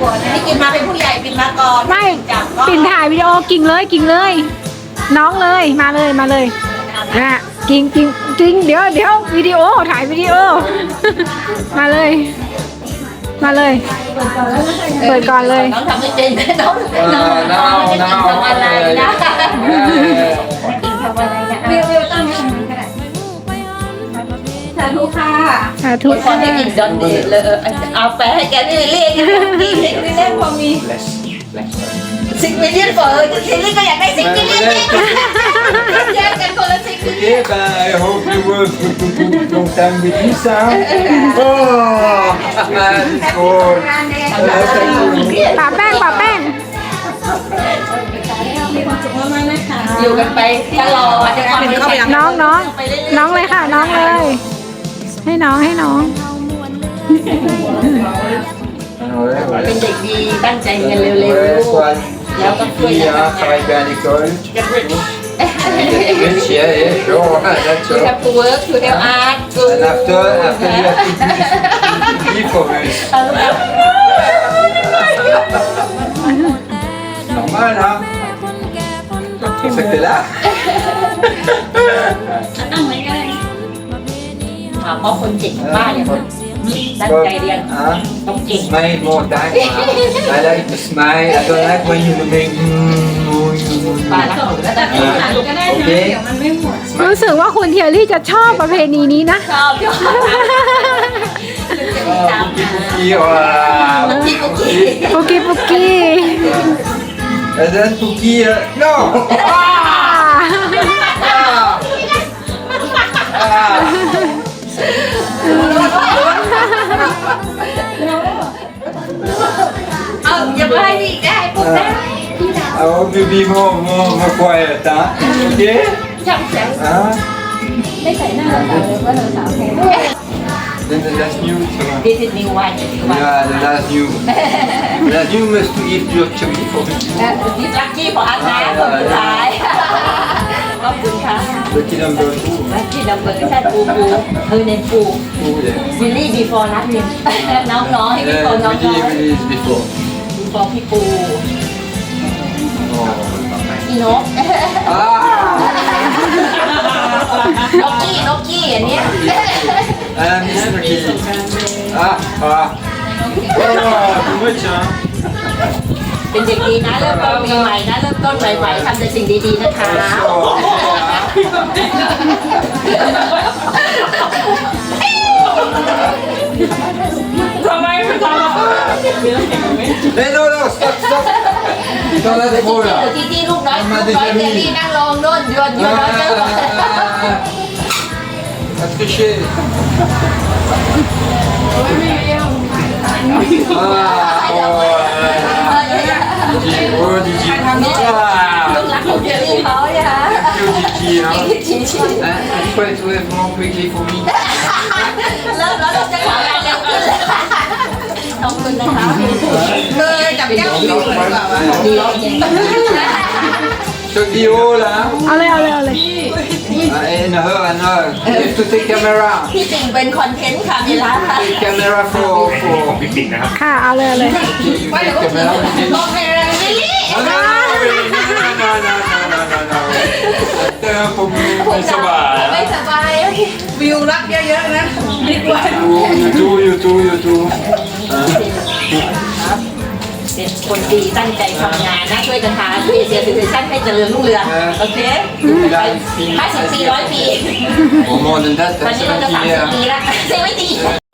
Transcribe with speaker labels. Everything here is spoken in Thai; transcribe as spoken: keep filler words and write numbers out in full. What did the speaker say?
Speaker 1: นี่กินมาเป็นผู้ใหญ่ปินมาก่อน
Speaker 2: ไม่
Speaker 1: จับก็
Speaker 2: ปิ่นถ่ายวิดีโอกิ่งเลยกิ่งเลย น้องเลยมาเลยมาเลยอ่ะกิ่งกิ่งกิ่งเดี๋ยวเดี๋ยววิดีโอถ่ายวิดีโอ มาเลย มาเลย เปิดก่อนเลย
Speaker 1: น้องทำไม่เป็นน้องน้องน้องจะกินทำอะไรนะกินทำอะไรนะเรียวเรียวตั้งให้มันก็ได้สาธุค่ะ
Speaker 2: สาธุ
Speaker 1: คนที่กินดอนเดย์เลยเอาไปให้แกนี่เรียกกินเรียกเรียกพอมีสิบมิลลิลิตรเปิดสิบลิตรก็อยากได้สิบมิลลิลิตรแยกกันคนละสิบมิลลิลิตร
Speaker 3: Okay, ben, I hope you work for a long time with Lisa. Oh, that's good.
Speaker 2: ป่าแป้งป่าแป้ง
Speaker 1: อยู่กันไปตลอดจะทำเป็นเข้าไป
Speaker 2: น้องน้องน้องเลยค่ะ น้องเลย ให้น้องให้น้อง
Speaker 1: เป็นเด็กดีตั้งใจเรียนเร็ว
Speaker 3: Ouais, soit
Speaker 1: ๆแล้วก็ช่วย
Speaker 3: qui
Speaker 1: กัน
Speaker 3: hein, travaille bien à l'école. Get rich, yeah, yeah, sure, that's
Speaker 1: You
Speaker 3: all.
Speaker 1: have to work to help art to
Speaker 3: And after, after you have to give for us. Normal, hein? C'est ça que t'es là?
Speaker 1: ถามว่าคนเก่งบ้านเนี่ยตั้งใจเรียน
Speaker 3: Hein?
Speaker 1: ต้องเก่ง
Speaker 3: Smile more time. I like to smile. I don't like when you make.
Speaker 1: ป้ารักหนูแล้วแต่
Speaker 3: Okay.
Speaker 2: รู้สึกว่าคุณเทียรี่จะชอบประเพณีนี้นะ
Speaker 1: ชอบชอบ
Speaker 3: Oh, Pouki, oh là là.
Speaker 1: Pouki, Pouki.
Speaker 2: ปุกกี้ปุกกี้
Speaker 3: Elle donne Pouki. euh, Non! Ah!
Speaker 1: เอาอย่าไปให้ดีได้ปุ๊บได้
Speaker 3: I hope you be more, more, more quiet, hein? Okay?
Speaker 1: ช่างแสง
Speaker 3: Hein?
Speaker 1: ไม่ใส่หน้าเราเลยว่าเราสาวแพง
Speaker 3: Then the last news.
Speaker 1: This is new one new one
Speaker 3: Yeah, the last news. The last news must to give your chubby for me.
Speaker 1: This lucky for us นะคนสุดท้ายขอบคุณค่ะ
Speaker 3: Lucky number two.
Speaker 1: Lucky number ใช่ปูปูเออเนนปู
Speaker 3: Oh, yeah.
Speaker 1: วิลลี่ before นัดมินน้องๆให้พี่ปู
Speaker 3: Uh,
Speaker 1: น้อง
Speaker 3: really, really is before.
Speaker 1: ๆ before พี่ปู
Speaker 3: Oh.
Speaker 1: พี่นก
Speaker 3: Ah!
Speaker 1: นกกี้นกกี้อันเนี้ย
Speaker 3: Ah, Mister Key. Ah, ah. Oh, too much, hein?
Speaker 1: เป็นเด็กดีนะเริ่มต้นปีใหม่นะเริ่มต้นใหม่ๆทำแต่สิ่งดีๆนะคะ
Speaker 4: ทำไมไม่ทำอ่ะ
Speaker 3: Eh non, non, stop, stop! T'en as trop là!
Speaker 1: ที่ที่ลูกน้อยลูกน้อยเจลลี่นั่งลงโน่นยวนยวนน้อยเจลลี่
Speaker 3: À tricher! Ah, oh, Digi, oh, Digi!
Speaker 1: ลูกรักของเจลลี่เขาเนี่ยฮะ
Speaker 3: Ah, Digi, hein?
Speaker 1: ชี้ชี้
Speaker 3: Hein, il faut être vraiment quickly for me.
Speaker 1: เริ่มแล้วเราจะทำงานเร็วขึ้นเลยขอบคุณนะคะเลยจับแก้วผิวเลยแบบว่าดีแล้วจริง
Speaker 3: Chuck the hole là!
Speaker 2: เอาเลยเอาเลยเอาเลย
Speaker 3: Ah, and her, and her! You have to take camera!
Speaker 1: พี่สิงเป็นคอนเทนต์ค่ะเวลาค่ะ
Speaker 3: Take camera for. for.
Speaker 2: ค่ะเอาเลยเอาเลย
Speaker 1: ว่าเดี๋ยวก็ถึงบอกให้เรื่องลิลลี่
Speaker 3: Oh, no, no, no, no, no, no, no, no, no. Attends, faut que
Speaker 1: ไม่ส
Speaker 3: ça
Speaker 1: บาย
Speaker 3: va.
Speaker 1: ไม่สบายโอเค
Speaker 4: วิวรักเยอะๆนะดีกว่า
Speaker 3: You too, you too, you too.
Speaker 1: เป็นคนดีตั้งใจทำงานนะช่วยกันหาช่วยเสียสิทธิ์ชั้นให้เจริญรุ่งเรืองโอเคห้าสิบปีร้อยปี
Speaker 3: Au moment de date,
Speaker 1: วันนี้เราจะ
Speaker 3: c'est
Speaker 1: สาม
Speaker 3: qui
Speaker 1: สิบปีละเซเว่นตี